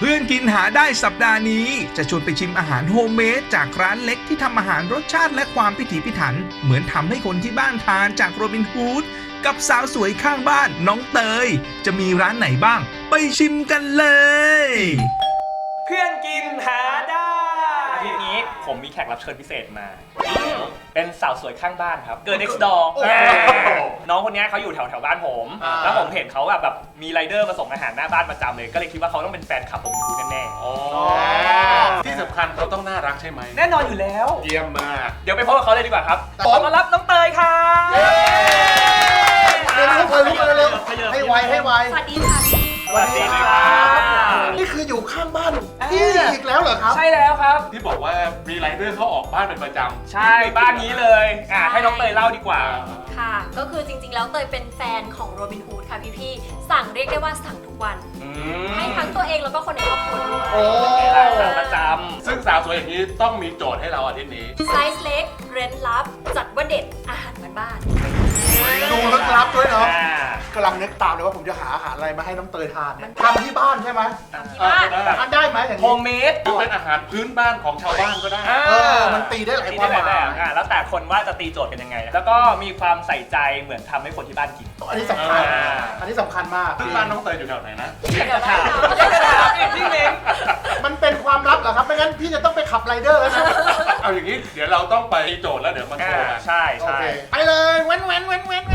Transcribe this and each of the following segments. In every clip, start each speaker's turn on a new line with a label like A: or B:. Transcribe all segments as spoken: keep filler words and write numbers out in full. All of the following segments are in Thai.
A: เพื่อนกินหาได้สัปดาห์นี้จะชวนไปชิมอาหารโฮมเมดจากร้านเล็กที่ทำอาหารรสชาติและความพิถีพิถันเหมือนทำให้คนที่บ้านทานจากโรบินฮูดกับสาวสวยข้างบ้านน้องเตยจะมีร้านไหนบ้างไปชิมกันเลย
B: เพื่อนกินหาได้ทีนี้ผมมีแขกรับเชิญพิเศษมาเป็นสาวสวยข้างบ้านครับเกิด next door น้องคนนี้เขาอยู่แถวแถวบ้านผมแล้วผมเห็นเขาแบบแบบมีไรเดอร์มาส่งอาหารหน้าบ้านประจำเลยก็เลยคิดว่าเขาต้องเป็นแฟนคลับผมอยู่แน่
C: ๆที่สำคัญเขาต้องน่ารักใช่ไหม
B: แน่นอนอยู่แล้ว
C: เยี่ยมมาก
B: เดี๋ยวไปพบกับเขาเลยดีกว่าครับขอต้อนรับน้องเตยค่ะ
D: เร็วๆเร็วๆเร็วๆให้ไวให้ไว
E: สวัสดีค่ะพี่
B: สวัสดีครับ
D: นี่คืออยู่ข้างบ้านพี่อีกแล้วเหรอครับ
B: ใช่แล้วครับ
C: ที่บอกว่ามีไรเดอร์เขาออกบ้านเป็นประจำ
B: ใช่บ้านนี้เลยอ่ะให้น้องเตยเล่าดีกว่า
E: ค่ะก็คือจริงๆแล้วเตยเป็นแฟนของโรบินฮูดค่ะพี่ๆสั่งเรียกได้ว่าสั่งทุกวันให้ทั้งตัวเองแล้วก็คนในครอบครัวด้วย
C: โอ้สั่งประจำซึ่งสาวสวยอย่างนี้ต้องมีโจทย์ให้เราอาทิตย์นี้
E: ไซส์เล็กเร้นลับจัดว่าเด็ดอาหารบ้าน
D: ดูลึกลับด้วยเนาะกำลังนึกตามเลยว่าผมจะหาอาหารอะไรมาให้น้องเตยทานเนี่ยทำที่บ้านใช่ไหม
E: ทำที่บ้าน
D: ทำได้ไหมอย่างนี้
B: โฮมเมด
C: หรือเป็นอาหารพื้นบ้านของชาวบ้านก็ได้
D: เออมันตีได้หลายความหมาย
B: แล้วแต่คนว่าจะตีโจทย์กันยังไงแล้วก็มีความใส่ใจเหมือนทำให้คนที่บ้านกิน
D: อันนี้สำคัญอันนี้สำคัญมาก
C: ซึ่งบ้านน้องเตยอยู่แถวไหนนะ
B: อยากจะถามอยากจะถามพี่เม้ง
D: มันเป็นความลับเหรอครับไม่งั้นพี่จะต้องไปขับไรเดอร์แล้วนะ
C: เอาอย่างนี้เดี๋ยวเราต้องไปโจทย์แล้วเดี๋ยวมันโชว์กัน
B: ใช่ใช่
D: ไปเลยเว้นเว้นเว้นเว้น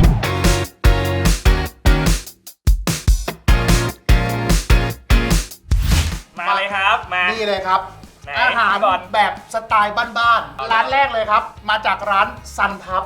B: มาเลยครับมา
D: นี่เลยครับอาหารแบบสไตล์บ้านๆร้านแรกเลยครับมาจากร้านซันพับ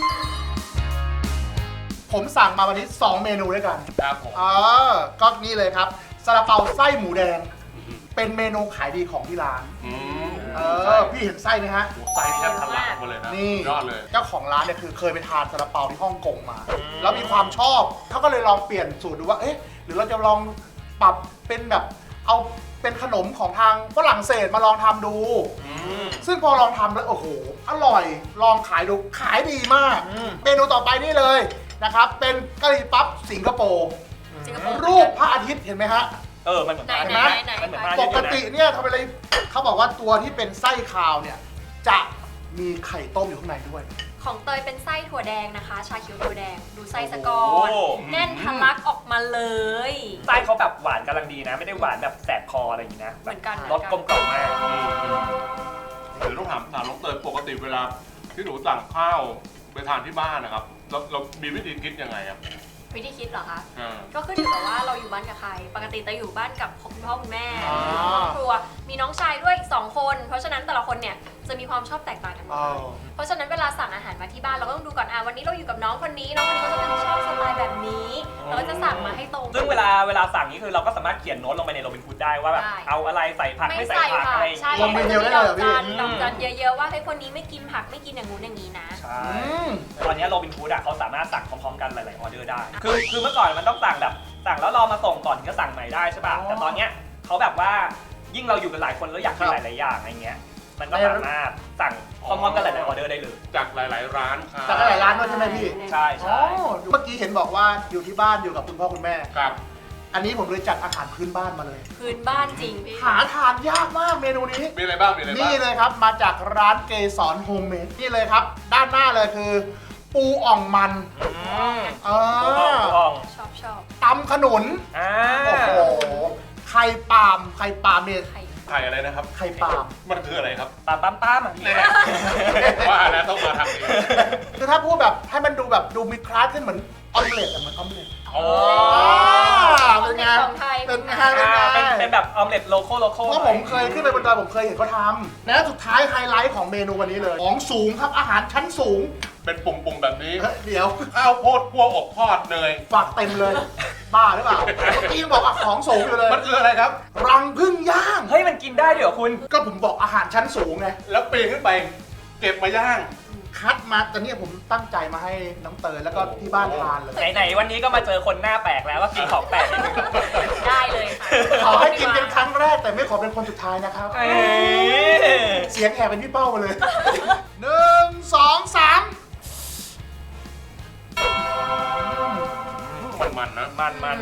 D: ผมสั่งมาวันนี้สองเมนูด้วยกัน
C: ครับผม
D: เออก็นี่เลยครับซาลาเปาไส้หมูแดงเป็นเมนูขายดีของที่ร้านเออพี่เห็นไส้ไหมฮะ
C: ไส้แทบทะลักหมดเลยนะ
D: นี่
C: ยอดเลย
D: เจ้าของร้านเนี่ยคือเคยไปทานซาลาเปาที่ฮ่องกงมาแล้วมีความชอบเขาก็เลยลองเปลี่ยนสูตรดูว่าเอ๊ะหรือเราจะลองปรับเป็นแบบเอาเป็นขนมของทางฝรั่งเศสมาลองทำดูซึ่งพอลองทำแล้วโอ้โหอร่อยลองขายดูขายดีมากเมนูต่อไปนี่เลยนะครับเป็นกะหรี่ปั๊บสิงคโปร์รูปพระอาทิตย์เห็นไหมฮะ
B: เออมันเหมือน
E: ไหนไหนไหน
D: ปกติเนี่ยทำอะไรเขาบอกว่าตัวที่เป็นไส้คาวเนี่ยจะมีไข่ต้มอยู่ข้างในด้วย
E: ของเตยเป็นไส้ถั่วแดงนะคะชาเขียวถั่วแดงดูไส้สะกอนแน่นทะลักออกมาเลย
B: ไส้เขาแบบหวานกำลังดีนะไม่ได้หวานแบบแสบคออะไรอย่างนี้นะ
E: เหมือนกัน
B: รสกลมกล่อมมาก
C: หรือต้องถามถามน้องเตยปกติเวลาที่หนูสั่งข้าวไปทานที่บ้านนะครับเราเรามีวิธีคิดยังไงครับ
E: วิธีคิดเหรอคะก็ขึ้นอยู่กับว่าเราอยู่บ้านกับใครปกติจะอยู่บ้านกับคุณพ่อคุณแม่ครอบครัวมีน้องชายด้วยอีกสองคนเพราะฉะนั้นแต่ละคนเนี่ยจะมีความชอบแตกต่างกันไปเพราะฉะนั้นเวลาสั่งอาหารมาที่บ้านเราก็ต้องดูก่อนอ่ะวันนี้เราอยู่กับน้องคนนี้น้องคนนี้เขาจะเป็นชอบสไตล์แบบนี้เราก็จะสั่งมาให้ตรง
B: ซึ่งเวลาเวลาสั่งนี้คือเราก็สามารถเขียนโน้ตลงไปในโรบินฮูดได้ว่าแบบเอาอะไรใส่ผักไม่ใส่ผักอะไร
D: ลงไปเดียวได้เลยพี่
E: ดอกจันเยอะๆว่าให้คนนี้ไม่กินผักไม่กินอย่างงู้นอย่างนี้นะ
B: ใช่ตอนนี้โรบินฮูดอ่ะเขาสามารถสั่งพร้อมๆกันหลายๆออเดอร์ได้คือคือเมื่อก่อนมันต้องสั่งแบบสั่งแล้วรอมาส่งก่อนถึงจะสั่งใหม่ได้ใช่ป่ะแต่ตอนเนี้ยเขาแบบว่ายิ่งเราอยู่กันหลายคนแล้วอยากกินหลายๆอย่างอะไรเงี้ยมันก็สามารถสั่งพร้อมๆกันหลายๆออเดอร์ได้เลย
C: จากหลายๆร้าน
D: จากหลายร้านด้วยใช่ไหมพี่
B: ใช่ใช่
D: เมื่อกี้เห็นบอกว่าอยู่ที่บ้านอยู่กับคุณพ่อคุณแม่
C: ครับ
D: อันนี้ผมเลยจัดอาหารพื้นบ้านมาเลย
E: พื้นบ้านจริงพี่
D: หาทานยากมากเมนูนี้
C: มีอะไรบ้างมีอะไรบ้าง
D: นี่เลยครับมาจากร้านเกสรโฮมเมดนี่เลยครับด้านหน้าเลยคือปูอ่องมัน
B: เออ
E: ชอบชอบ
D: ตำขนุนโอ้โหไข่ปาล์มไข่ปาล์มเนี่ย
C: ไข่อะไรนะครับ
D: ไข่ปาล์ม
C: มันคืออะไรครับ
B: ปาล์มปาล์มปาล์มอ่ะพี่
C: ว่าแล้วต้องมาทำนี้
D: คือถ้าพูดแบบให้มันดูแบบดูมีคลาสขึ้นเหมือนออมเล็ตเหมือนออมเล็ต
B: โอ้
D: เป็นไง
E: เป็น
D: ไง
B: เป็นเป็นแบบออมเล็ตโลโก้โลโก้
D: เพราะผมเคยขึ้นไปบนดอยผมเคยเห็นเขาทำและสุดท้ายไฮไลท์ของเมนูวันนี้เลยของสูงครับอาหารชั้นสูง
C: เป็นปุ่มๆแบบนี้
D: เดี๋ยว
C: ข้าวโพดคั่วอบทอดเนย
D: ฝากเต็มเลยบ้าหรือเปล่าเมื่อกี้บอกอ่ะของสูงอยู่เลย
C: มันคืออะไรครับ
D: รังผึ้งย่าง
B: เฮ้ยมันกินได้ด้วยเหรอคุณ
D: ก็ผมบอกอาหารชั้นสูงไง
C: แล้วปีนขึ้นไปเก็บมาย่าง
D: คัดมาแต่เนี่ยผมตั้งใจมาให้น้องเตยแล้วก็ที่บ้านทานเลย
B: ไหนๆวันนี้ก็มาเจอคนหน้าแปลกแล้วว่ากินของแปลก
E: ได้เลยค่ะ
D: ขอให้กินเป็นครั้งแรกแต่ไม่ขอเป็นคนสุดท้ายนะครับเสียงแหบเป็นพี่เป้ามาเลยหนึ่งสองสาม
C: มันมันนะ
B: มันมัน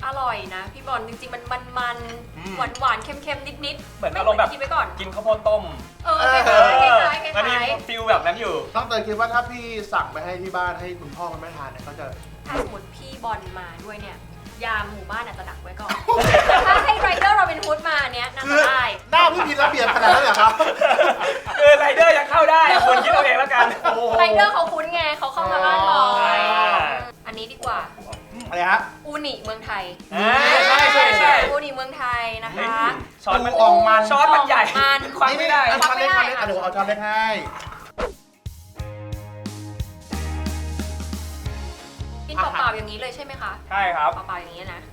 E: อร่อยนะพี่บอลจริงๆมันมันมัน
B: อืม
E: หวานหวานๆเค็มๆนิดๆ
B: เหมือน
E: ไม่
B: อารมณ์แบบ
E: คิดไปก่อน
B: กินข้าวโพดต้ม
E: เออคล้ายๆคล้ายๆค
B: มันมี
E: ล้าย
B: ฟิลแบบนั้นอยู่
D: น้องเตยคิดว่าถ้าพี่สั่งไปให้ที่บ้านให้คุณพ่อคุณแม่ทานเนี่ยเขาจะ
E: ๆถ้าสมมติพี่บอลมาด้วยเนี่ยยามหมู่บ้านอาจจะดักไว้ก่อน ถ้าให้ไรเดอร์โรบินฮูดมาเนี้ยน่า
D: คื
E: จะ
D: อ
E: ได้
D: หน้าพี่มีระเบียบขนาดนั้นเหรอครับ
B: คือไรเดอร์ยังเข้าได้อะคุณคิดเอาเองแล้วกัน
E: ไรเดอร์เขาคุ้นไงเขาเข้ามาบ้านบ่อย
B: อ่า
E: อันนี้ดีกว่า
D: อะไรฮะ
E: อูนิเมืองไทย
B: อ่าใช่ใช่ใช่
E: อูนิเมืองไทยนะคะ
B: ช้อนมัน
D: ปูอ่องมัน
B: ช้อนมันใหญ่
E: มัน
B: ควักไม่ได้
D: เอาช้อนเล็กช้อนเล็กอ่ะเดี๋ยวเอาช้อนเล็กให้
E: กินเปล่าๆอย่างนี้เลยใช่ไหมคะ
B: ใช่ครับ
E: เปล่าๆอย่างนี้นะ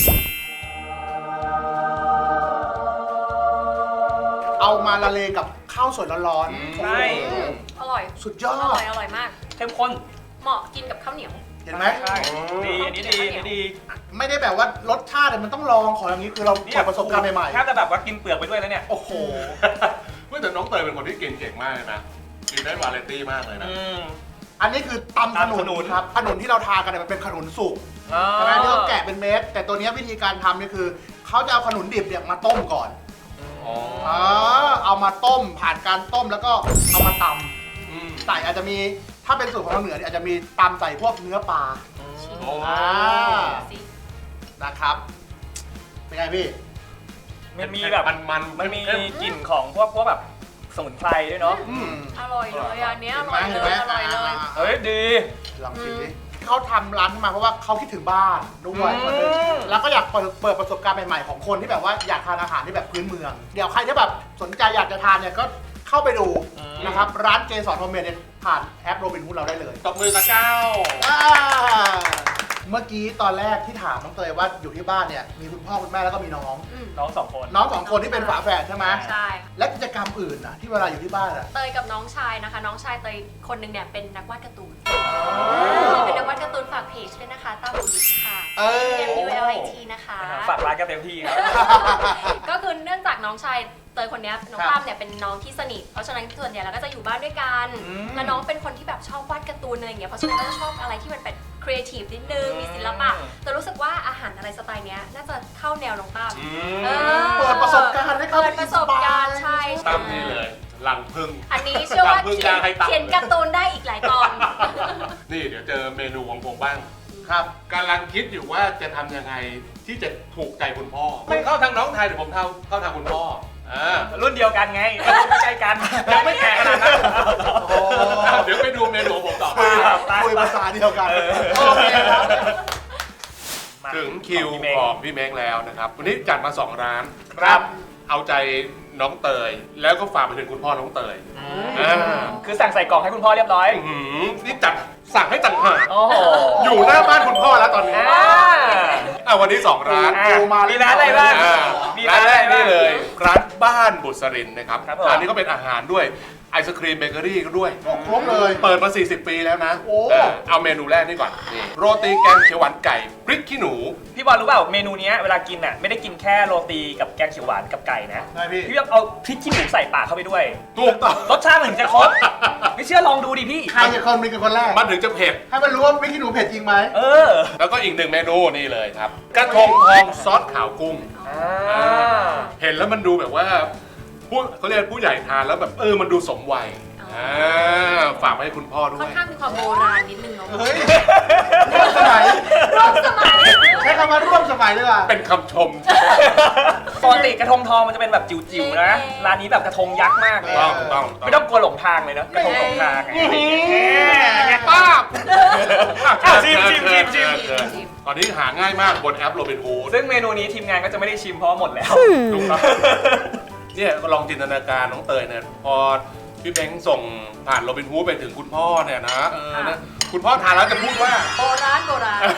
D: เอามาละเลงกับข้าวสวยร้อน
C: อืม
D: ๆ
B: ใช่
E: อร่อย
D: สุดยอ
E: อร่อ
D: ด
E: ย อร่อยมาก
B: เข้มข้น
E: เหมาะกินกับข้าวเหนียว
D: เห็นไหม
B: ใช่ดีอันนี้ดีอันนี้ดี
D: ไม่ได้แบบว่ารสชาติเนี่ยมันต้องลองของอย่างนี้คือเราเปิดประสบการณ์ใหม่
B: แทบจะแบบว่ากินเปลือกไปด้วยแล้วเนี่ย
D: ๆ โอ้โห
C: เมื่อแต่น้องเตยเป็นคนที่กินเก่งมากเลยนะกินได้วาไรตี้มากเลยนะ
B: อืม
D: อันนี้คือตำขนุ
B: ตำขนุ
D: น
B: น
D: ครับขนุนที่เราทานกันเนี่ยมันเป็นขนุนสุกใช่ไหมที่เราแกะเป็นเม็ดแต่ตัวเนี้ยวิธีการทำเนี่ยคือเขาจะเอาขนุนดิบเนี่ยมาต้มก่อน
C: อ๋อ
D: อ๋อเอามาต้มผ่านการต้มแล้วก็เอามาต
C: อืม
D: ำใส่อาจจะมีถ้าเป็นสูตรของทางเหนือเนี่ยอาจจะมีตำใส่พวกเนื้อปลา
C: โอ้
D: อ่า
E: สิ
D: นะครับเป็นไงพี่
B: มันมีแบบ
C: มันมัน
B: มันมี
C: เข้
B: กลิ่นของพวกพวกแบบสมุนไพรด้วยเนาะ
D: อืม
E: อร่อยเลยอันเนี้ยอ
D: เห็น
E: ร่
D: ไหม
E: อยเล
D: เห็นไหม
E: ย อร่อยเลย
D: อ่า
B: เฮ้ยดี
D: ลองชิมดิเขาทำร้านขึ้นมาเพราะว่าเขาคิดถึงบ้านด้วย
B: อืม
D: คนหนึงแล้วก็อยากเปิดเปิดประสบการณ์ใหม่ๆของคนที่แบบว่าอยากทานอาหารที่แบบพื้นเมือง เดี๋ยวใครที่แบบสนใจอยากจะทานเนี่ยก็เข้าไปดูนะครับร้านเกสรโฮมเมดเนี่ยผ่านแอปโรบินฮูดเราได้เลย
C: ตบมือกับเจ้า
D: อ่าเมื่อกี้ตอนแรกที่ถามน้องเตยว่าอยู่ที่บ้านเนี่ยมีคุณพ่อคุณแม่แล้วก็มีน้อง
E: อืม
B: น้องสองคน
D: น้องสองคนที่เป็นฝาแฝดใช่ไหม
E: ใช่
D: และกิจกรรมอื่นน่ะที่เวลาอยู่ที่บ้านอ่ะ
E: เตยกับน้องชายนะคะ น้องชายเตยคนหนึ่งเนี่ยเป็นนักวาดการ์ตูน เป็นนักวาดการ์ตูนฝากเพจด้วยนะคะต้าบูดิชค่ะ
D: เออ
E: M U L I T นะคะ
B: ฝากร้านกันเต็มที่ครับ
E: ก็คือเนื่องจากน้องชายเตยคนเนี้ยน้อง
D: ครับ
E: ตั้มเนี่ยเป็นน้องที่สนิท เพราะฉะนั้นส่วนใหญ่เราก็จะอยู่บ้านด้วยกัน
D: อืม
E: แล้วน้องเป็นคนที่แบบชอบวาดการ์ตูนอะไรอย่างเงี้ย เพราะฉะนั้นก็จะชอบอะไรที่มันเป็นครีเอทีฟนิดนึง มีศิลปะ
B: อืม
E: แต่รู้สึกว่าอาหารอะไรสไตล์เนี้ยน่าจะเข้าแนวน้องตั้ม
C: อื
E: เอ
C: ม
E: อ
D: เปิดประสบการณ์ให้เขา
E: เปิดประสบการณ์ใช่
C: ตั้มนี่เลยหลังพึ่ง
E: อันนี้เชื่อว่า
C: ตั้มเพิ่ง
E: เขียน
C: ย่างให้ตั้ม
E: เขียนการ์ตูนได้อีกหลายตอน
C: นี่เดี๋ยวเจอเมนูของผมบ้าง
D: ครับ
C: กำลังคิดอยู่ว่าจะทำยังไงที่จะถูกใจคุณพ่อไม่เข้าทางน้องไทยเดี๋ยวผมเข้าเข้าทางคุณพ่ออ่า
B: รุ่นเดียวกันไงไม่ใช่กันยังไม่แก่ขนาดนั้น
D: โอ้
C: เดี๋ยวไปดูเมนูของผมต่อ
D: คุย
B: ครับ
D: คุยภาษาเดียวกัน
B: เออ
D: โอเคครับ
B: มา
C: ถึงคิว
B: พี่เมฆ
C: ของพี่เม้งแล้วนะครับวันนี้จัดมาสองร้าน
B: ครับ
C: เอาใจน้องเตย แล้วก็ฝากไปถึงคุณพ่อน้องเตยอ่า
B: คือสั่งใส่กล่องให้คุณพ่อเรียบร้อย
C: อื้อหือนี่จัดสั่งให้ต่างหาก
B: โอ้โห
C: อยู่หน้าบ้านคุณพ่อแล้วตอนนี้
B: อ่า
C: อ่ะวันนี้สองร้าน
B: อ่ะมีร้านอะไรบ้าง
C: อ่า
B: มี
C: ร้า
B: ร้าน น
C: แร
B: อะไร
C: ก
B: บ้าง
C: นี่เลยร้านบ้านบุษรินนะครับ
B: ครับผม
C: ร้านนี้ก็เป็นอาหารด้วยไอศครีมเบเกอรี่ก็ด้วย
D: ครบเลย
C: เปิดมา สี่สิบ ปีแล้วนะ
D: โอ้
C: เออเอาเมนูแรกนี่ก่อนนี่โรตีแกงเขียวหวานไก่พริกขี้หนู
B: พี่บอลรู้เปล่าเมนูเนี้ยเวลากินอ่ะไม่ได้กินแค่โรตีกับแกงเขียวหวานกับไก่นะ
D: ใช่พี่
B: พี่ต้องเอาพริกขี้หนูใส่ปากเข้าไปด้วย
C: ถูกต้อง
B: รสชาติมันถึงจะครบ ไม่เชื่อลองดูดิพี่
D: ใครจะคนเป็นคนแรก
C: มันถึงจะเผ็ด
D: ให้มันรู้ว่าวิธีหนูเผ็ดจริงไหม
B: เออ
C: แล้วก็อีกหนึ่งเมนูนี่เลยครับ กระทงทองซอสขาวกุ้ง
B: อ่า
C: เห็นแล้วมันดูแบบว่าผู้เขาเรียกผู้ใหญ่ทานแล้วแบบเออมันดูสมวัย
E: อ๋ออ่
C: อ่าฝากไปให้คุณพ่อด้
E: ค่
C: ว
E: อน
C: ย
E: ข้างมีความโบราณนิดนึงเนาะ
D: เฮ้ยร่วมสมัย
E: ร่วมสมัย
D: ใช้คำว่าร่วมสมัยดีกว่า
C: เป็นคำชม
B: ปกติกระทงทองมันจะเป็นแบบจิ๋วๆนะ ร้านนี้แบบกระทงยักษ์มากเลย
C: ต้องต้อง
B: ไม่ต้องกลัวหลงทางเลยนะกระทงหลงทางไง
C: ไงป้าบ
B: อ่ะชิมชิมชิมชิม
C: ตอนนี้หาง่ายมากบนแอปโรบินฮูด
B: ซึ่งเมนูนี้ทีมงานก็จะไม่ได้ชิมเพราะว่าหมดแล้ว
C: ถูกต้องเนี่ยก็ลองจินตนาการน้องเตยเนี่ยพอพี่เบ้งส่งผ่านโรบินฮูดไปถึงคุณพ่อเนี่ยนะเออนะคุณพ่อทานแล้วจะพูดว่า
E: โบราณโบราณ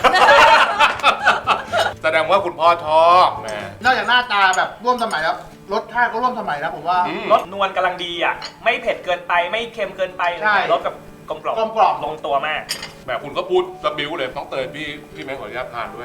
C: แสดงว่าคุณพ่อชอบแหม
D: นอกจากหน้าตาแบบร่วมสมัยแล้วรสชาติก็ร่วมสมัยนะผมว่า
C: อืม
B: รสนวลกำลังดีอ่ะ ไม่เผ็ดเกินไปไม่เค็มเกินไปอะไร
D: ใช่
B: เงี้ยรสกับกลมกล่อม
D: กลมกล่อม
B: ลงตัวมาก
C: แหมคุณก็พูดระบิวเลยน้องเตยพี่พี่เบ้งขออนุญาตทานด้วย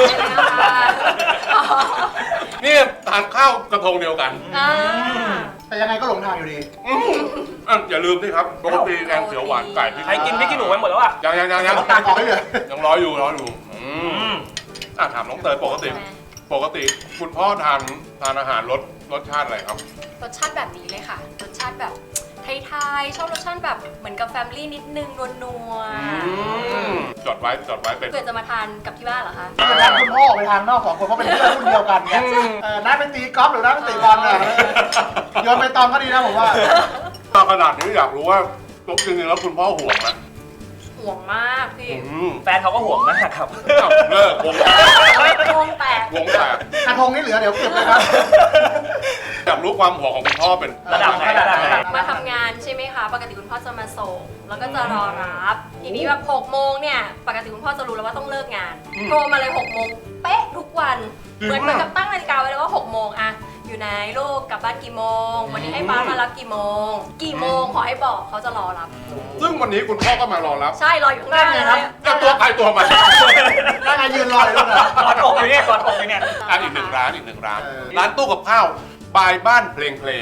C: นี่ทานข้าวกระทงเดียวกัน
E: อ่า
D: แต่ยังไงก็หลงทางอยู่ดี
C: อืมอ่ะอย่าลืมนี่ครับโรตีแกงเขียวหวานไก่พริก
B: ใครกินพริกขี้หนูไปหมดแล้วอ่ะ
C: ยังยังยังยัง
D: ตากออกให้เลย
C: ยังรออยู่รออยู่อื
B: อื
C: ม
B: ม
C: อ่ะถามน้องเตยปกติปกติคุณพ่อทานทานอาหารรสรสชาติอะไรครับ
E: รสชาติแบบนี้เลยค่ะ รสชาติแบบไทยๆชอบรสชาติแบบเหมือนกับแฟมิลี่นิดนึงนัว
C: จดไว้จดไว้เป็น
E: ๆเกิดจะมาทานกับที่บ้านเหรอคะ
D: เวลาคุณพ่อออกไปทางนอกสองคนเพราะเป็นเพื่อนรุ่นเดียวกันเนี่ยเออน้าไปตีกอล์ฟหรือน้าไปตีบอลเนี่ยโยนไปตองก็ดีนะผมว่า
C: มาขนาดนี้อยากรู้ว่าจริงๆแล้วคุณพ่อห่วงไหม
E: ห่วงมากพี่
C: อืม
B: แฟนเขาก็ห่วงมากครับ
C: อ้าวเลิกวงแตก
E: วงแตก
C: วงแตก
D: กระทงนี่เหลือเดี๋ยวเก็บเลยครับ
C: อยากรู้ความห่วงของคุณพ่อเป็น
B: ระดับไหนระดับไหน
E: มาทำงานใช่ไหมคะ ปกติคุณพ่อจะมาส่ง แล้วก็จะรอรับ ทีนี้แบบหกโมงเนี่ย ปกติคุณพ่อจะรู้แล้วว่าต้องเลิกงาน โทรมาเลยหกโมงเป๊ะทุกวัน เหมือนเหมือนกับตั้งนาฬิกาไว้เลยว่าหกโมงอะอยู่ไหนลูกกลับบ้านกี่โมง วันนี้ให้ป้ามารับกี่โมง กี่โมงขอให้บอกเขาจะรอรับ
C: ซึ่งวันนี้คุณพ่อก็มารอรับ
E: ใช่รออยู่ข้างหน้าเลย
C: ก็ตัวใครตัวมัน
D: ได้ไงยืนรออยู่นะ
B: กอดอกอยู่เนี่ยกอดอกอยู่เนี่ย
C: อ่ะอีกหนึ่งร้านอีกหนึ่งร้าน
D: เออ
C: ร้านตู้กับข้าวบายบ้านเพลงเพลง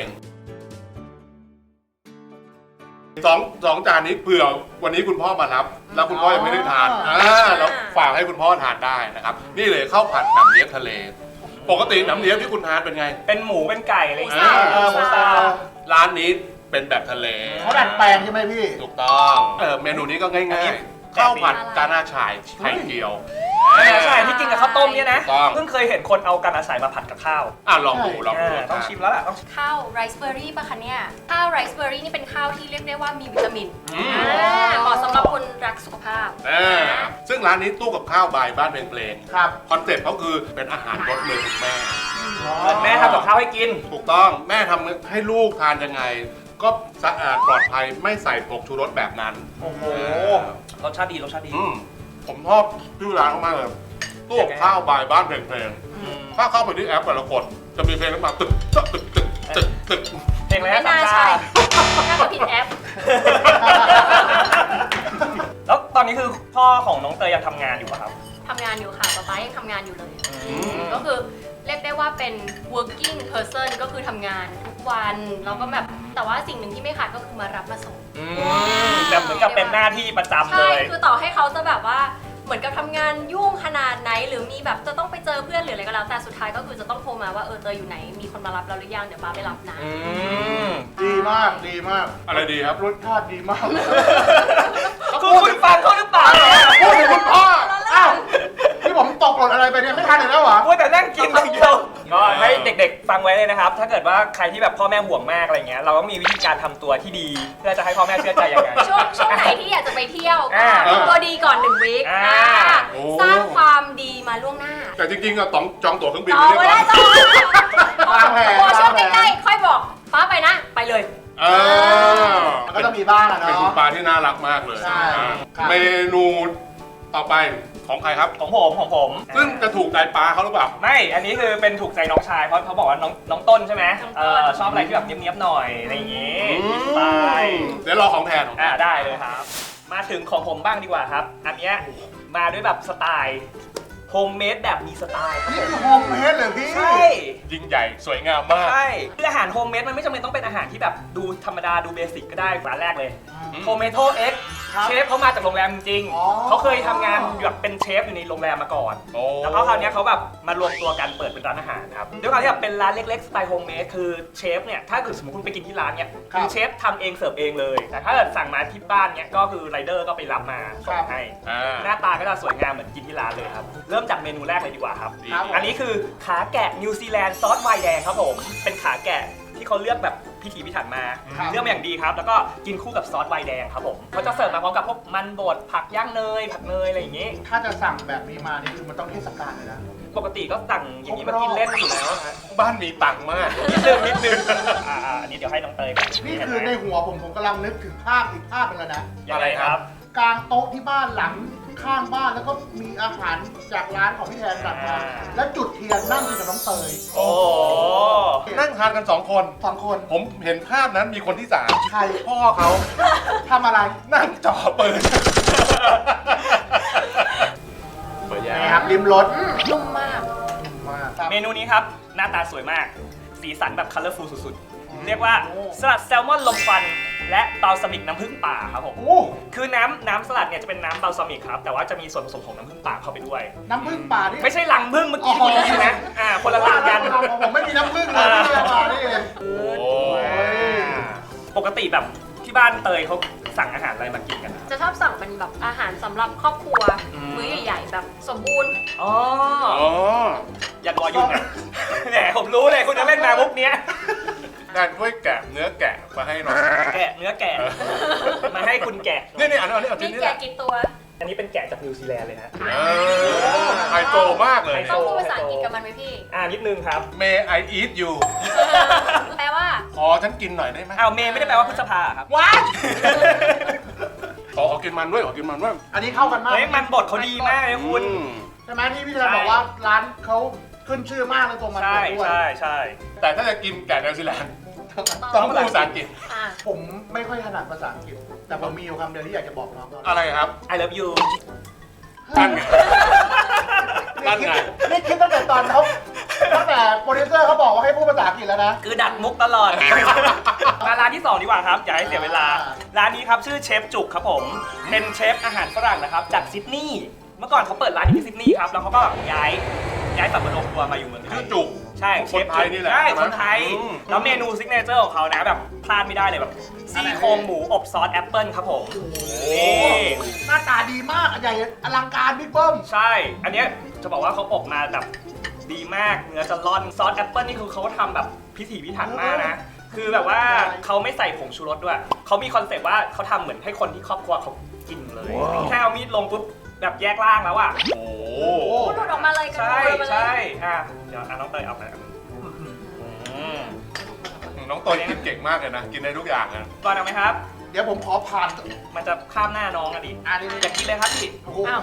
C: สองสองจานนี้เผื่อวันนี้คุณพ่อมารับ แล้วคุณพ่อยังไม่ได้ทานอ่าแล้วฝากให้คุณพ่อทานได้นะครับ นี่เลยข้าวผัดหนำเลี๊ยบทะเล ปกติหนำเลี๊ยบที่คุณทานเป็นไง
B: เป็นหมูเป็นไก่อะไรอย่างเงี้ย
C: อ่า
B: เออหมูสับ
C: ร้านนี้เป็นแบบทะเล
D: เขาดัดแปลงใช่ไหมพี่
C: ถูกต้องเออเมนูนี้ก็ง่ายๆ ข้าวผัดกานาฉ่ายไข่เจียว
B: ใช่ที่กินกับข้าวต้มเนี่ยนะ
C: ถูกต้อง
B: เพิ่งเคยเห็นคนเอากระอาศัยมาผัดกับข้าว
C: อ่ะลองดูลองดู
B: อ่าต้องชิมแล้วล่ะต้อง
E: ข้าวไรซ์เบอร์รี่ป่ะคะเนี่ย ข้าวไรซ์เบอร์รี่นี่เป็นข้าวที่เรียกได้ว่ามีวิตามิน
C: อืม
E: อ่าเหมาะสำหรับคนรักสุขภาพ
C: อ่าซึ่งร้านนี้ตู้กับข้าวบายบ้านเพลงเพลง
D: ครับ
C: คอนเซ็ปต์เขาคือเป็นอาหารรสมือคุณแม่
B: เหมือนแม่ทำกับข้าวให้กิน
C: ถูกต้องแม่ทำให้ลูกทานยังไง ก็สะอาดปลอดภัยไม่ใส่ผงชูรสแบบนั้น
B: โอ้โห รสชาติดีรสชาติดี
C: อืมผมชอบชื่อร้านมากเลยตู้กับข้าวบายบ้านเพลงเพลงถ้าเข้าไปที่แอปแต่ละกดจะมีเพลงขึ้นมาตึกตึกตึกตึกตึกตึก
B: เพลงอะไร
E: ไม่
B: นะสาม
E: น่า
B: ชา
E: ใช่ น่าจะผิดแอป
B: แล้วตอนนี้คือพ่อของน้องเตยยังทำงานอยู่ป่ะครับ
E: ทำงานอยู่ค่ะป๊าป๊ายังทำงานอยู่เลย ก็คือเรียกได้ว่าเป็น working person ก็คือทำงานทุกวัน แล้วก็แบบ แต่ว่าสิ่งหนึ่งที่ไม่ขาดก็คือมารับมาส่ง
B: แบบเหมือนกับเป็นหน้าที่ประจำเล
E: ใช่
B: ย
E: คือต่อให้เขาจะแบบว่า เหมือนกับทำงานยุ่งขนาดไหน หรือมีแบบจะต้องไปเจอเพื่อนหรืออะไรก็แล้ว แต่สุดท้ายก็คือจะต้องโทรมาว่าเออเตยอยู่ไหน มีคนมารับเราหรือยัง เดี๋ยวป้าไปรับนะ
B: อืม
D: ดีมากดีมาก
C: อะไรดีครับ
D: รสชาติดีมาก
B: คือคุณฟังเขาหรือเปล่า
D: พูดถึงคุณพ่ออ้าวที่ผมตกหล่นอะไรไปเนี่ยไม่ทันอีกแล้วเหรอ
B: พูดแต่นั่งกินอย่างเดียวก็ให้เด็กๆ ฟังไว้เลยนะครับ ถ้าเกิดว่าใครที่แบบพ่อแม่ห่วงมากอะไรเงี้ย เราก็มีวิธีการทำตัวที่ดี เพื่อจะให้พ่อแม่เชื่อใจยังไง
E: ช่วงช่วงไหนที่อยากจะไปเที่ยวก็
B: อ่า
E: ทำตัวดีก่อนหนึ่งวีค
B: อ่า
E: อ่า
C: โอ้
E: สร้างความดีมาล่วงหน้า
C: แต่จริงๆอะต้องจองตั๋วเครื่องบิน
E: จองไว้ได้
C: ก่อน
E: จอง
D: วางแผน
E: พอช่วง
D: วางแผน
E: ใกล้ๆค่อยบอกฟ้าไปนะ ไปเลย
C: เออ
D: มันก็ต้องมีบ้างอะ
C: เป็นคุณ
D: เนาะ
C: ปลาที่น่ารักมากเลย
D: ใช่
C: อ่า
D: ครับ
C: เมนูต่อไปของใครครับ
B: ของผมของผม
C: ซึ่งจะถูกใจปลาเขาหรือเปล่า
B: ไม่ อันนี้คือเป็นถูกใจน้องชาย เพราะเขาบอกว่าน้องน้องต้นใช่ไหม
E: น้องต้น
B: เออชอบอะไรที่แบบเนี้ยบๆหน่อยอะไรอย่างงี้
C: อืม
B: สไตล์
C: เดี๋ยวรอของแทนของ
B: อ่าได้เลยครับ มาถึงของผมบ้างดีกว่าครับ อันเนี้ยมาด้วยแบบสไตล์โฮมเมดแบบมีสไตล์ครับ
D: นี่
B: ผม
D: คือโฮมเมดเลยพี่
B: ใช่
C: ยิ่งใหญ่สวยงามมาก
B: ใช่คืออาหารโฮมเมดมันไม่จำเป็นต้องเป็นอาหารที่แบบดูธรรมดาดูเบสิกก็ได้ร้านแรกเลย
C: อืม
B: โทเมโตเอ็ก
D: ครับ
B: เชฟเขามาจากโรงแรมจริง
D: อ๋อ
B: เขาเคยทำงานแบบเป็นเชฟอยู่ในโรงแรมมาก่อน
C: โอ้
B: แล้วก็คราวเนี้ยเขาแบบมารวมตัวกันเปิดเป็นร้านอาหารครับด้วยความที่แบบเป็นร้านเล็กๆสไตล์โฮมเมดคือเชฟเนี่ยถ้าเกิดสมมติคุณไปกินที่ร้านเนี่ย
D: ครับ
B: คือเชฟทำเองเสิร์ฟเองเลย แต่ถ้าเกิดสั่งมาที่บ้านเนี่ยก็คือไรเดอร์ก็ไปรับมาส่งให้
C: อ่า
B: หน้าตาก็จะสวยงามเหมือนกินที่ร้านเลยครับเริ่มจากเมนูแรกเลยดีกว่าครับ
C: ดี
D: ครับ
B: อันนี้คือขาแกะนิวซีแลนด์ซอสไวน์แดงครับผม เป็นขาแกะที่เขาเลือกแบบพิถีพิถันมา
D: ครับ
B: เลือกมาอย่างดีครับ แล้วก็กินคู่กับซอสไวน์แดงครับผมเขาจะเสิร์ฟมาพร้อมกับพวกมันบดผักย่างเนย ผักเนยอะไรอย่างงี้
D: ถ้าจะสั่งแบบนี้มานี่คือมันต้องเทศกาลเลยนะ
B: ปกติก็สั่งอย่างนี้มากินเล่นอยู่แล้วฮะ
C: บ้านมีตังค์มาก
B: นิดนึงนิดนึงอ่าๆอันนี้เดี๋ยวให้น้องเตยก่อน
D: นี่คือในหัวผมผมกำลังนึกถึงภาพอีกภาพหนึงแล้วนะ
B: ยังไงครับ
D: กลางโต๊ะที่บ้านหลังข้างบ้านแล้วก็มีอาหารจากร้านของพี่แทนสั่งมา
B: อ่า
D: แล้วจุดเทียนนั่งกินกับน้องเตย
B: โอ้โห
C: นั่งทานกันสองคน
D: สองคน
C: ผมเห็นภาพนั้นมีคนที่สาม
D: ใคร
C: พ่อเขา
D: ทำอะไร
C: นั่งจ่อปืนเปิดยา
D: นี่ครับริมรถ
E: อืมนุ่มมาก
D: มากครับ
B: เมนูนี้ครับ หน้าตาสวยมาก สีสันแบบคัลเลอร์ฟูลสุดเรียกว่าสลัดแซลมอนลมควันและบาลซามิกน้ำผึ้งป่าครับผม
D: โอ้
B: คือน้ำน้ำสลัดเนี่ยจะเป็นน้ำบาลซามิกครับแต่ว่าจะมีส่วนผสมของน้ำผึ้งป่าเข้าไปด้วย
D: น้ำผึ้งป่านี่
B: ไม่ใช่รังผึ้งเมื่อกี้ที่คุณได้ยินนะอ่าคนละรังกัน
D: ผมไม่มีน้ำผึ้งเลยที่เอามานี่เอง
C: โอ้
B: ปกติแบบที่บ้านเตยเขาสั่งอาหารอะไรมากินกันอะ
E: จะชอบสั่งเป็นแบบอาหารสำหรับครอบครัว
B: อืม
E: มื้อใหญ่ๆแบบสมบูรณ์
B: อ๋อ
C: อ๋อ
B: อย่ารอยุ่งนะแหมผมรู้เลยคุณจะเล่นมามุกเนี้ย
C: งานช่วยแกะเนื้อแกะมาให้หน่อย
B: แกะเนื้อแกะมาให้คุณแกะ
C: นี่นี่อันนี้อันนี้เอาชิ้
E: มี
C: นนี้
E: แก
C: แหละ
E: กี่ตัว
B: อันนี้เป็นแกะจากนิวซีแลนด์เลยนะ
C: เออไฮโซมากเลย
B: ไฮโซ
E: ต้องพูดภาษาอังกฤษกับมันไหมพี่
B: อ่านิดนึงครับ
C: May I eat you
E: แปลว่า
C: ขอฉันกินหน่อยได้ไหม
B: อ้าวเมย์ไม่ได้แปลว่าพฤษภาครับ
C: ว้ายขอขอกินมันด้วยขอกินมันด้วย
D: อันนี้เข้ากันมาก
B: เฮ้ยมันบดเขาดีมากเลยคุณ
C: อืม
D: ใช่ไหมที่พี่ธนาบอกว่าร้านเขาขึ้นชื่อมากในตัวมัน
B: ใช่
D: ด้วย
B: ใช่ใช่
C: แต่ถ้าจะกินแกะนิวซีแลนด์ต้องพูดภาษาอังกฤษ
E: อ่ะ
D: ผมไม่ค่อยถนัดภาษาอังกฤษ แต่ผมมีอยู่คำเดียวที่อยากจะบอกน้องเขา
C: อะไรครับ
B: I love you
C: นั่นไง นั่นไง
D: นี่คิดตั้งแต่ตอนเขาตั้งแต่โปรดิวเซอร์เขาบอกว่าให้พูดภาษาอังกฤษแล้วนะ
B: คือดักมุกตลอด มาร้านที่สองดีกว่าครับอย่าให้เสียเวลา ร้านนี้ครับชื่อเชฟจุกครับผม เป็นเชฟอาหารฝรั่งนะครับจากซิดนีย์เมื่อก่อนเขาเปิดร้านอยู่ที่ซิดนีย์ครับแล้วเขาก็ย้ายย้ายสับปะรดครัวมาอยู่เมืองไท
C: ชื่อย จุก
B: ใช่เช
C: คน
B: ฟ
C: ไทยนี่แหละ
B: ใช่
C: ใช่ไหม
B: คนไทย
C: อืม
B: แล้วเมนูซิกเนเจอร์ของเขานะแบบพลาดไม่ได้เลยแบบซี่โครงหมูอบซอสแอปเปิลครับผมนี่
D: หน้าตาดีมากใหญ่อลังการบิ๊กเบิ้ม
B: ใช่ อันเนี้ยจะบอกว่าเขาอบมาแบบดีมากเนื้อจะร่อนซอสแอปเปิลนี่คือเขาทำแบบพิถีพิถันมากนะ คือแบบว่าเขาไม่ใส่ผงชูรสด้วยเขามีคอนเซปต์ว่าเขาทำเหมือนให้คนที่ครอบครัวเขากินเลยแค่เอามีดลงปุ๊บแบบแยกล่างแล้วอ่ะ
C: โอ้
D: โอ้โห
E: โอ้หลุดออกมาเลยกัน
B: ใช่
E: หลุดออกมาเลย
B: ใช่อ่ะเดี๋ยวอ่ะน้องเตยเอาไปอืม
C: น้องเตยกินเก่งมากเลยนะ กินได้ทุกอย่างนะ
B: ก่อนเอาไหมครับ
D: เดี๋ยวผมขอผ่าน
B: มันจะข้ามหน้าน้องอ่ะดิ
D: อันนี้
B: อยากกินเลยครับพี่
D: โอ้โห
E: อ้าว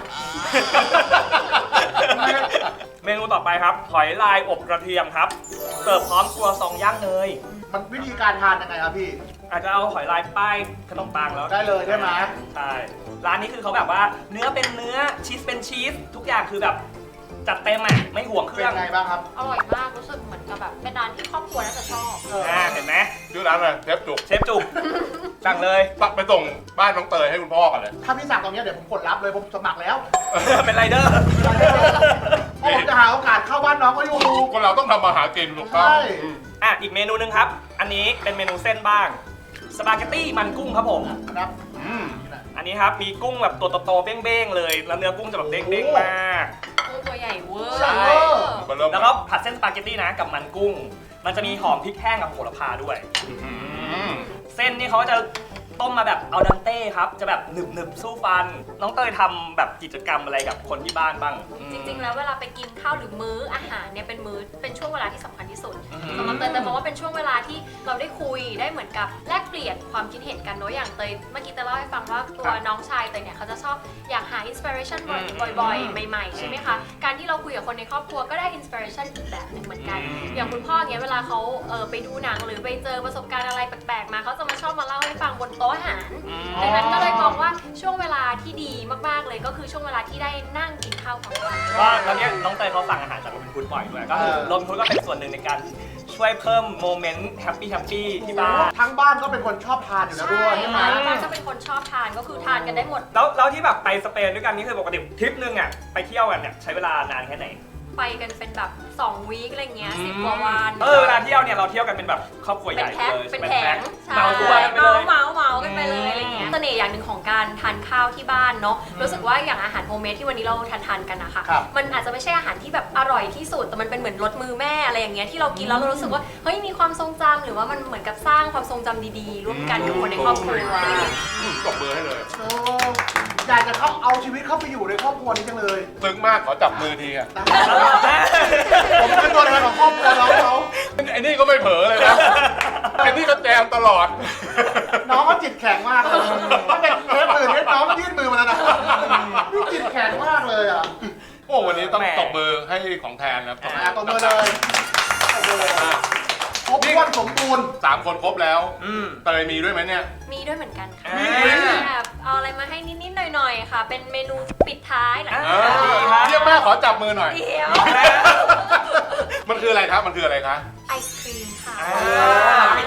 B: เมนูต่อไปครับหอยลายอบกระเทียมครับ เสิร์ฟพร้อมครัวซองย่างเนย
D: มันวิธีการทานยังไงครับพี่
B: อาจจะเอาหอยลายป้ายขนมปังแล้ว
D: ได้เลยใช่ไหม
B: ใช่ ร้านนี้คือเขาแบบว่าเนื้อเป็นเนื้อชีสเป็นชีสทุกอย่างคือแบบจัดเต็มอ่ะไม่ห่วงเค
D: เป็
B: รื่อง
D: นไงบ้างครับ
E: อร่อยมากรู้สึกเหมือนกับแบบเป็นร้านที่ครอบครัวน่าจะชอบ
D: เออ
B: อ่าเห็นไหม
C: ชื่อร้านอะไรเชฟจุก
B: เชฟจุกสั่งเลย
C: ปักไปส่งบ้านน้องเตยให้คุณพ่อกันเลย
D: ถ้าพี่สั่งตรงเนี้ยเดี๋ยวผมกดรับเลยผมสมัครแล้ว
B: เป็นไรเดอร์
D: เพราะผมจะหาโอกาสเข้าบ้านน้องก็อยู่
C: คนเราต้องทำมาหากินถูกต้อง
D: ใช่
C: อืม
B: อ่ะอีกเมนูหนึงครับ อันนี้เป็นเมนูเส้นบ้างสปาเกตตี้มันกุ้งครับผม
D: ครับ
C: อืม
B: อันนี้ครับมีกุ้งแบบตัวโตๆเบ้งๆเลยแล้วเนื้อกุ้งจะแบบเด้งๆมาก
E: กุ้งตัวใหญ่เวอร์
B: ใช่
C: มาเริ่ม
B: แล้วก็ผัดเส้นสปาเกตตี้นะกับมันกุ้ง มันจะมีหอมพริกแห้งกับโหระพาด้วย
C: อืม
B: เส้นนี่เขาจะต้มมาแบบอัลดันเต้ครับ จะแบบหนึบหนึบๆสู้ฟัน น้องเตยทำแบบกิจกรรมอะไรกับคนที่บ้านบ้าง
E: จริงๆ แล้วเวลาไปกินข้าวหรือมื้ออาหารเนี่ยเป็นมื้อเป็นช่วงเวลาที่สำคัญที่สุด
B: อืม
E: สำหรับเตยเตยมองว่าเป็นช่วงเวลาที่เราได้คุยได้เหมือนกับแลกเปลี่ยนความคิดเห็นกันเนอะอย่างเตยเมื่อกี้เตยเล่าให้ฟังว่าตัวน้องชายเตยเนี่ยเขาจะชอบอยากหาอินสปิเรชันบ่อยๆ ใหม่ๆ ใช่ไหมคะ การที่เราคุยกับคนในครอบครัวก็ได้อินสปิเรชันอีกแบบหนึ่งเหมือนกัน อย่างคุณพ่อเงี้ยเวลาเขาเออไปดูหนังหรือไปเจอประสบการณ์อะไรแปลกๆมาเขาจะมาชอบมาเล่าให้ฟังบนโต๊ะอาหาร ดังนั้นก็เลยมองว่าช่วงเวลาที่ดีมากๆเลยก็คือช่วงเวลาที่ได้นั่งกินข้าวพร้อมกัน
B: ก็แล้วเนี่ยน้องเตยเขาสั่งอาหารจากโรบินฮูดบ่อยด้วย ก็คือโรบินฮูดก็เป็นส่วนหนึ่งในการช่วยเพิ่มโมเมนต์แฮปปี้แฮปปี้ที่บ้าน
D: ทั้งบ้านก็เป็นคนชอบทานอยู่แล้วด้วยใช่ไหม
E: แล้วบ้านก็เป็นคนชอบทานก็คือทานกันได้หมด
B: แล้วแล้วที่แบบไปสเปนด้วยกันนี่คือปกติทริปนึงอ่ะไปเที่ยวกันเนี่ยใช้เวลานานแค่ไหน
E: ไปกันเป็นแบบสองวีคอะไรเงี้ยสิบกว่าวัน
B: เออเวลาเที่ยวเนี่ยเราเที่ยวกันเป็นแบบครอบครัวให
E: เป็น
B: ญ่
E: แพ็ค
B: เลย
E: เป็น
B: เป็น
E: แผ
B: แพ็
E: ง
B: ค
E: ใช่
B: เหมาตัวกันไปเลย
E: เมาเมาๆกันไปเลยอะไรเงี้ยเสน่ห์อย่างหนึ่งของการทานข้าวที่บ้านเนาะรู้สึกว่าอย่างอาหารโฮมเมดที่วันนี้เราทานทานๆกันนะคะ
D: ครับ
E: มันอาจจะไม่ใช่อาหารที่แบบอร่อยที่สุดแต่มันเป็นเหมือนรสมือแม่อะไรอย่างเงี้ยที่เรากินแล้วเรารู้สึกว่าเฮ้ยมีความทรงจำหรือว่ามันเหมือนกับสร้างความทรงจำดีๆร่วมกันกับคนในครอบครัว
C: อืมตบมือให้เลย
D: โอ้อยากจะเข้าเอาชีวิตเข้าไปอยู่ในครอบครัวนี้จังเลย
C: ซึ้งมากขอจับมือทีอะ
D: ผมเป็นตัวแทนของครอบครัวน้องเขา
C: ไอ้นี่ก็ไม่เผลอเลยนะไอ้นี่ก็แจมตลอด
D: น้องเขาจิตแข็งมากเลยถ้าเป็นเทปอื่นเนี่ยน้องยื่นมือมาแล้วนะนี่จิตแข็งมากเลยอ่ะ
C: โอ้วันนี้ต้องตบมือให้ของแทนนะครับ
D: อ่ะตบมือเลยตบมือเลยครบถ้วนสมบูรณ์
C: สามคนครบแล้ว
B: อืม
C: เตยมีด้วยไหมเนี่ย
E: มีด้วยเหมือนกันค่ะ
B: อ่า
E: แบบเอาอะไรมาให้นิดๆหน่อยๆค่ะ เป็นเมนูปิดท้ายหลัง
B: อ่า
C: เออเยี่ยมมากขอจับมือหน่อย
E: เดียว
C: มันคืออะไรครับ มันคืออะไรคะ
E: ไอศครีมค่ะ
B: อ่าปิดท้าย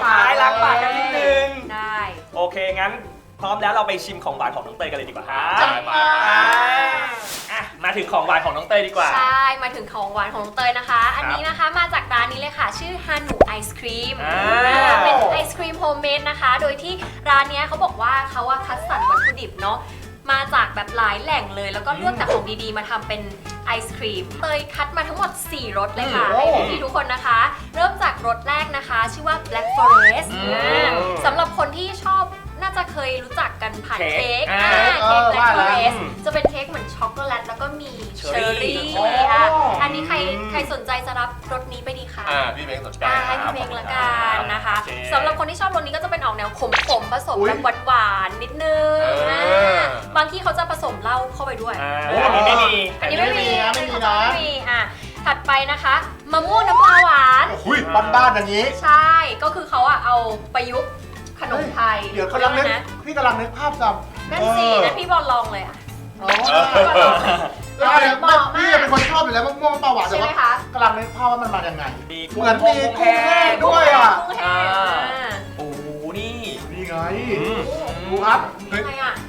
B: างปากกันนิดนึง
E: ได้
B: โอเคงั้นพร้อมแล้วเราไปชิมของหวานของน้องเตยกันเลยดีกว่าครับ
C: จัดไป
B: อ่ะมาถึงของหวานของน้องเตยดีกว่า
E: ใช่ มาถึงของหวานของน้องเตยนะคะ อันนี้นะคะมาจากร้านนี้เลยค่ะ ชื่อฮานูไอศครีม
B: อ่า
E: เป็นไอศครีมโฮมเมดนะคะ โดยที่ร้านเนี้ยเขาบอกว่าเขาว่าคัดสรรวัตถุดิบเนาะ มาจากแบบหลายแหล่งเลย แล้วก็เลือกแต่ของดีๆ มาทำเป็นไอศครีม เตยคัดมาทั้งหมด สี่รสเลยค่ะ
D: โอ้
E: ให้พี่ๆทุกคนนะคะ เริ่มจากรสแรกนะคะ ชื่อว่า Black Forest
B: อืม
E: อ่าสำหรับคนที่ชอบน่าจะเคยรู้จักกันผ่าน
B: เค้
E: เค้
B: ก
E: ก
B: อ่า
E: อ่าเค้ก Black
D: ว่าแล้ว
E: Forest จะเป็นเค้กเหมือนช็อกโกแลตแล้วก็มีเชอร์รี่
B: โอ้
E: อ่ะอันนี้ใครใครสนใจจะรับรสนี้ไปดีคะ
C: อ่าพี่เม้งสนใจ
E: อ่าให้
C: ครั
E: พี่
C: บ
E: เพลงละกันนะคะ
B: โอเค
E: สำหรับคนที่ชอบรสนี้ก็จะเป็นออกแนวขมๆผสม
D: อุ๊ย
E: แบบหวานๆนิดนึง
C: เอออ่
E: าบางที่เขาจะผสมเหล้าเข้าไปด้วย
B: อ่าอันนี้ไม่มี
E: อันนี้ไม่มี
D: ไม่มีนะ
E: อันนี้เขาจะไม่มีอ่ะถัดไปนะคะมะม่วงน้ำปลาหวาน
D: อุ้ยบ้านๆอย่างนี้
E: ใช่ก็คือเขาอะเอาประยุกต์ขนมไทย
D: เดี๋ยวกำลังนึก
E: นะ
D: พี่กำลังนึกภาพจำ
E: นั่นสิ
D: เออ
E: นั่นพี่บอลลองเลยอะ
D: อ๋อ
E: พี่บอลลองเลย
D: แล้วเนี่ย
E: เหมาะมาก
D: พี่เป็นคนชอบอยู่แล้วมะม่วงมะปรางหวานแต่
E: ใช่ไหม
D: ว่า
E: คะ
D: กำลังนึกภาพว่ามันมายังไง
B: มี
D: เหมือนมีกุ้งแห้งด้วยอ่ะ
E: กุ้งแห้งอ่ะ
B: โอ้โหนี่
D: นี่ไง
B: อืม
D: ดูครับ
E: ยังไงอะ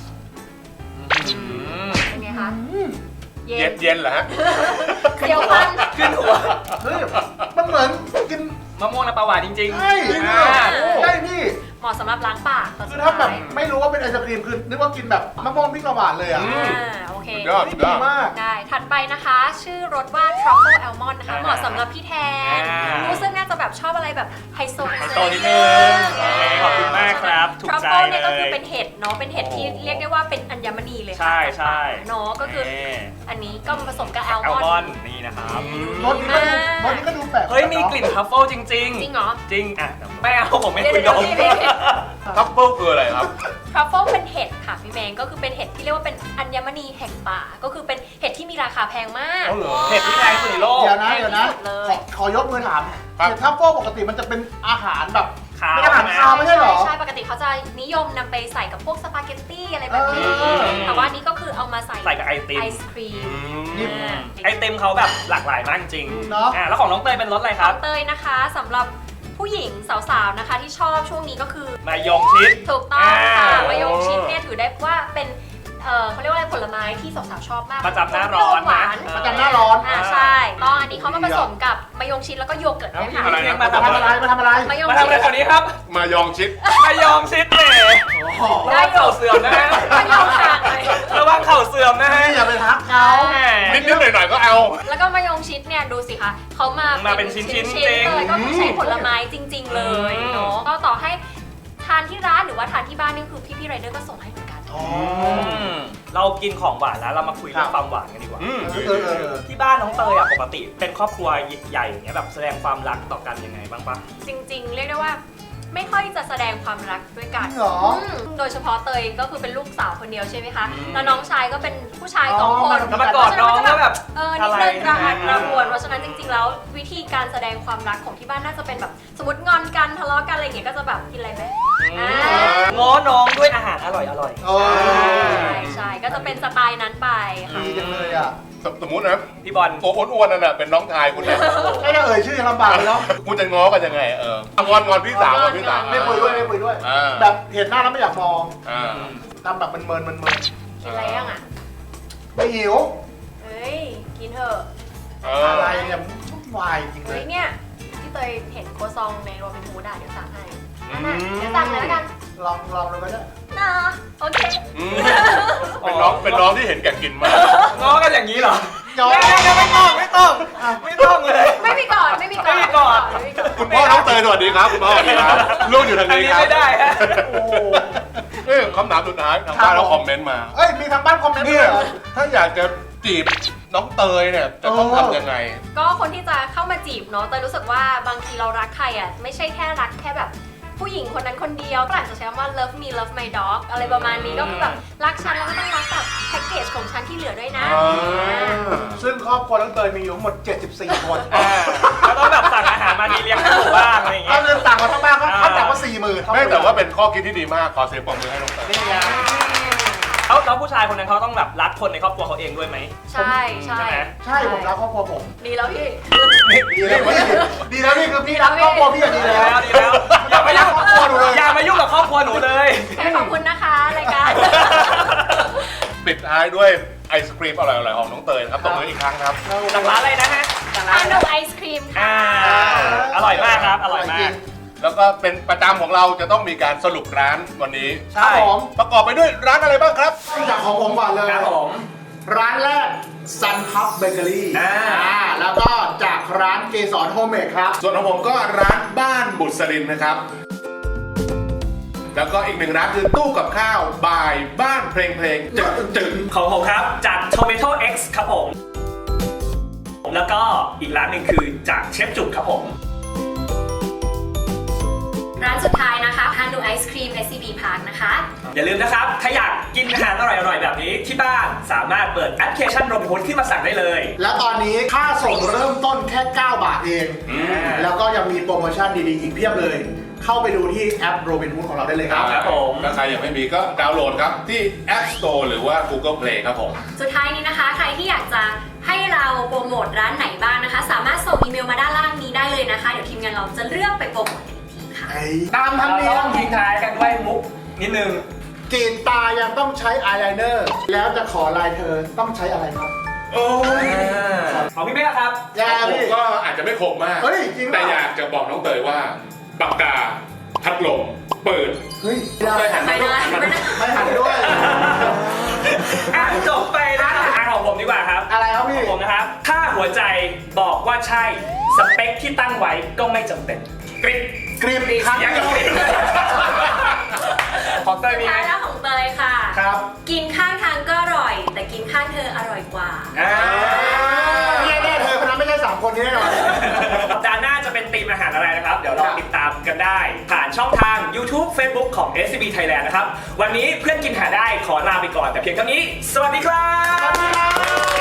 E: เป็นไงคะ
D: อืม
E: เย็
C: เย็
E: น
C: นเย็นเหรอฮะ
E: เดี๋ยวฟัน
B: ขึ้นหัว
D: เฮ้ยมันเหมือนกิน
B: มะม่วงน้ำปลาหวานจริงๆ
D: ใช่
B: อ่า
D: ใช่พี่
E: เหมาะสำหรับล้างปากตอน
D: คื
E: สุ
D: อ
E: ด
D: ถ้าแบบ
E: ท้าย
D: ไม่รู้ว่าเป็นไอศครีมคือนึกว่ากินแบบมะม่วงพริกละหวานเลยอ่ะ
C: อื
E: อ่าโอเค
C: สุดยอด
D: นี่ดีมาก
E: ได้ ถัดไปนะคะ ชื่อรสว่า truffle almond นะคะ
B: อ่า
E: เหมาะสำหรับพี่แทน
B: อ่า
E: รู้สึกน่าจะแบบชอบอะไรแบบไฮโซ
B: ไฮโซนิดนึงโอเคขอบคุณมากครับถูกใจ
E: truffle เนี่ยก็คือ
B: เลย
E: เป็นเห็ดเนาะ เป็นเห็ดที่
B: โอ้
E: เรียกได้ว่าเป็นอัญมณีเลยค่ะ
B: ใช่ใช่
E: เนาะ ก็คือ
B: นี่
E: อันนี้ก็มาผสมกับแอล
B: แอล
E: ม
B: ม
E: อ
B: อน
E: ด์
B: ด์นี่นะครับ
D: รสนี้ก็ดูรสนี้ก็ดูแปลก
B: เฮ้ยมีกลิ่นทัฟเฟิลจริง
E: จริงเหรอ
B: จริงอ่ะไม่เอาผมไม่
E: เดี๋ยว
B: คุย
E: เดี๋
B: ด
E: ยว
B: ม
E: พี่พี่พี่
C: ทัฟเฟิลคืออะไรครับ
E: truffle เป็นเห็ดค่ะพี่แมงก็คือเป็นเห็ดที่เรียกว่าเป็นอัญมณีแห่งป่า ก็คือเป็นเห็ดที่มีราคาแพงมาก
C: เอาเหรอ
B: เห็ดที่แพงสุดในโลก
D: เดี๋ยวนะเดี๋ยวนะ
E: แพงที่สุดเลย
D: ขอขอยกมือถาม
C: ครับ
D: เห็ดทัฟเฟิลปกติมันจะเป็นอาหารแบบ
B: ขาว
D: เป็นอาหารคาวไม่ใช่เหรอ
E: ใช่ปกติเขาจะนิยมนำไปใส่กับพวกสปาเกตตี้อะไรแบบนี้
D: เออ
E: แต่ว่าอันนี้ก็คือเอามาใส่
B: ใส่กับไอติม
E: ไอศครีม
D: นี่
E: อ่า
B: ไอติมเขาแบบหลากหลายมากจริง
D: เนอะ
B: อ่ะแล้วของน้องเตยเป็นรสอะไรครับ
E: เตยนะคะสำหรับผู้หญิงสาวๆนะคะที่ชอบช่วงนี้ก็คือ
B: มายงชิด
E: ถูกต้องค่ะ
B: อ่าม
E: มายงชิดเนี่ยถือได้ว่าเป็นเออเขาเรียกว่าอะไรผลไม้ที่สาวๆชอบมาก
B: ประจำหน้าร้อน
E: หวาน
B: นะ
D: ประจำหน้าร้อน
E: อ่าใช่ต้องอันนี้เขามาผสมกับมายงชิดแล้วก็โยเกิร์ตด้วยค่ะ
C: อะไรนะ
B: มา
D: มา
B: ทำ
D: ทำ
B: อะ
D: อะไร ไรมาทำอะไร
E: มายง
B: มา
E: ชิ
B: ทำอะไร
E: ด
B: แถวนี้ครับ
C: มายองชิด
B: มายองชิดเน่
D: อ๋อ
B: ระวังเข่าเสื่อมนะฮะ
E: มายงห่างเลย
B: ระวังเข่าเสื่อมนะฮะ
D: อย่าไปทักเขา
B: แหม
C: นิดๆหน่อยๆก็เอา
E: แล้วก็มายงชิดเนี่ยดูสิคะเขามา
B: มาเป็นชิ้นๆ
E: ชิ้น
B: จริง
E: ๆเลยก็คือใช้ผลไม้จริง ๆ เลย
B: อืม
E: เนาะก็ต่อให้ทานที่ร้านหรือว่าทานที่บ้านนี่คือพี่ๆไรเดอร์ก็ส่งให้เหมือนกัน
D: อ๋อ
B: มเรากินของหวานแล้วเรามาคุยเรื่อง
D: ครับ
B: ความหวานกันดีกว่า
C: อืม
D: เออเออเออเออ
B: ที่บ้านน้องเตยอะปกติเป็นครอบครัวใหญ่อย่างเงี้ยแบบแสดงความรักต่อกันยังไงบ้างปะ
E: จริง ๆ เรียกได้ว่าไม่ค่อยจะแสดงความรักด้วยกัน
D: จริงเหรอ
E: อืมโดยเฉพาะเตยก็คือเป็นลูกสาวคนเดียวใช่ไหมคะ
B: อืม
E: แล้วน้องชายก็เป็นผู้ชายสองคน
B: แล้วมากอดน้องก็แบบ
E: เออนิดนึงกระหัด
B: อะไร
E: กระหวนเพราะฉะนั้นจริง ๆ แล้ววิธีการแสดงความรักของที่บ้านน่าจะเป็นแบบสมมติงอนกันทะเลาะกันอะไรอย่างเงี้ยก็จะแบบกินอะไรไหม อ่า
B: ง้อน้องด้วยอาหารอร่อยอร่อย
D: เออ
E: ใช่ใช่ก็จะเป็นสไตล์นั้นไปค่ะ
D: ดีจังเลยอ่ะ
C: สมสมมุตินะ
B: พี่บอล
C: ตัวอ้วนๆนั่นน่ะเป็นน้องชายคุณนะ
D: แค่จะเอ่ยชื่อยังลำบากเลยเนาะ
C: คุณจะง้อกันยังไงเอองอนงอนพี่สาวงอนพี่สาว
D: ไม่คุยด้วยไม่คุยด้วย
C: อ่า
D: แบบเห็นหน้าแล้วไม่อยากมอง
C: อ่า
D: ทำแบบมันเมินมันเมิน
E: กินอะไรยังอ่ะ
D: ไม่หิว
E: เฮ้ยกินเถอะ
C: เอ
D: อะไร
C: อ
D: เนี่ยวุ่นวายจริงเล
E: เฮ้
D: ย
E: ยเนี่ยที่เตยเห็นโคซองในโรบินฮูดอ่ะเดี๋ยวสั่งให้
C: อื
E: นั่น
C: ม
E: น่ะเดี๋ยวสั่งเลยแล้วกัน
D: ลองลองดูก็ได้
E: นะโอเค
C: อืมเป็นน้องเป็นน้องที่เห็นแก่กินมาก
B: ง้อกันอย่างนี้เหรอ
D: ย้อน
B: ไม่ไม่ไม่ต้องไม่ต้องไม่ต้องเลย
E: ไม่มีก่อนไม่มีก่อน
B: ไม่มีก่อน
E: ไม่มีก่อน
C: คุณพ่อน้องเตยสวัสดีครับคุณพ่อสวัสดีครับลูกอยู่ทาง
B: อัน
C: นี้
B: นี้
C: ครับ
B: ไม่ได้ฮะ
D: โอ้โห
C: เอ้ยคำถามสุดท้ายทางบ้านเราคอมเมนต์มา
D: เอ้ยมีทางบ้านคอมเมนต์ด้
C: เนี่
D: วย ยเหรอ
C: ถ้าอยากจะจีบน้องเตยเนี่ยจะต้อง
D: เออ
C: ทำยังไง
E: ก็คนที่จะเข้ามาจีบเนาะเตยรู้สึกว่าบางทีเรารักใครอ่ะไม่ใช่แค่รักแค่แบบผู้หญิงคนนั้นคนเดียวก็อาจจะใช้คำว่า love me love my dog อะไรประมาณนี้ก็คือแบบรักฉันแล้วก็ต้องรักแบบแพ็กเกจของฉันที่เหลือด้วยนะ
C: อ่า
D: ซึ่งครอบครัวน้องเตยมีอยู่ทั้งหมดเจ็ดสิบสี่คน
B: อ่าแล้วต้องแบบสั่งอาหารมาทีเลี้ยงให้หมู่บ้านอะไรอย่าง
D: ถ้า
B: เงี้ย
D: เงินต่างกันทั้งบ้านก็ขั้นต่ำกว่าสี่หมื่น
C: ไม่แต่ว่าเป็นข้อคิดที่ดีมากขอเสียงปรบมือให้น้องเตย
D: นี่ไง
B: แล้วแล้วผู้ชายคนนั้นเขาต้องแบบรักคนในครอบครัวเขาเองด้วยไหม
E: ใช่ใช่
B: ใช่ไหม
D: ใช่ผมรักครอบครัวผม
E: ดีแล้วพี่
D: ดีแล้วพี่ดีแล้วพี่คือพี่รักครอบครัวพี่อะดีแล้ว
B: ดีแล้วดีแล้วอย่ามายุ่ง
E: อบคุณนะคะรายการ
C: ปิดท้ายด้วยไอศครีมอร่อยๆของน้องเตยนะครับตบมืออีกครั้งครับ
B: จากร้านอะไรนะฮะจากร้า
E: อาน โนไอศครีมค่ะ
B: อ่าอร่อยมากครับ อร่อยมาก
C: แล้วก็เป็นประจำของเราจะต้องมีการสรุปร้านวันนี้
B: ใช่
D: ครับผม
C: ประกอบไปด้วยร้านอะไรบ้างครับ
D: จากของผมก่อนเลย
B: ครับผม
D: ร้านแรก Sun Hub Bakery
B: อ่า
D: อ่าแล้วก็จากร้านเกสรโฮมเมดครับ
C: ส่วนของผมก็ร้านบ้านบุษรินนะครับ แล้วก็อีกหนึ่งร้านคือตู้กับข้าวบายบ้านเพลงเพลงจึงจึง
B: ของผมครับจาก Tomato X ครับผม แล้วก็อีกร้านหนึ่งคือจากเชฟจุกครับผม
E: ร้านสุดท้ายนะคะฮานูไอศครีม เอส ซี บี Park นะคะ
B: อย่าลืมนะครับ ถ้าอยากกินอาหารอร่อยๆแบบนี้ที่บ้านสามารถเปิดแอปพลิเคชันโรบินฮูดขึ้นมาสั่งได้เลย
D: แล้วตอนนี้ค่าส่งเริ่มต้นแค่ เก้า บาทเอง แล้วก็ยังมีโปรโมชั่นดีๆ อีกเพียบเลย เข้าไปดูที่แอป Robinhood ของเราได้เลยครับ
B: ครับผม
C: ถ้าใครยังไม่มีก็ดาวน์โหลดครับที่ App Store หรือว่า Google Play ครับผม
E: สุดท้ายนี้นะคะ ใครที่อยากจะให้เราโปรโมทร้านไหนบ้างนะคะ สามารถส่งอีเมลมาด้านล่างนี้ได้เลยนะคะ เดี๋ยวทีมงานเราจะเลือกไปโปรโมทอีกทีค่ะ
D: ตามธรรม
B: เรา
D: เนีย
B: ต้
D: ม
B: องทิ้งท้ายกันด้วยมุกนิดนึง
D: กรีดตายังต้องใช้อายไลเนอร์ แล้วจะขอลายเธอต้องใช้อะไรครับ
C: โอ้ย
B: ของพี่เมฆครับ
D: ยา
C: ผม
D: พี่
C: ก็อาจจะไม่คมมาก
D: เฮ้ยจริงเหรอ
C: แต่อยากจะบอกน้องเตยว่าปากกาพัดลมเปิด
D: เฮ้ย
C: เคยหัน
E: ไม่
C: มา
E: ได้ไม่ได้
D: ไม่หันด้วย
B: อ่ะจบไปแล้วอ่ะของผมดีกว่าครับ
D: อะไรครับ
B: ข
D: พี่
B: องผมนะครับ ถ้าหัวใจบอกว่าใช่ สเปคที่ตั้งไว้ก็ไม่จำเป็นกริ๊บ
D: กรีบอีกครั้ง
B: ยังกับกริ๊บของเตยมีไหม
E: ท้ายแล้วของเตยค่ะ
D: ครับ
E: กินข้างทางก็อร่อย แต่กินข้างเธออร่อยกว่า
B: อ่า
D: แน่ๆเธอคนนั้นไม่ใช่สามคนนี้แน่นอน
B: สัปดาห์หน้าจะเป็นธีมอาหารอะไรนะครับ เดี๋ยวเราติดตามกันได้ ผ่านช่องทาง YouTube Facebook ของ เอส ซี บี Thailand นะครับ วันนี้เพื่อนกินหาได้ขอลาไปก่อนแต่เพียงเท่านี้ สวัสดีครับ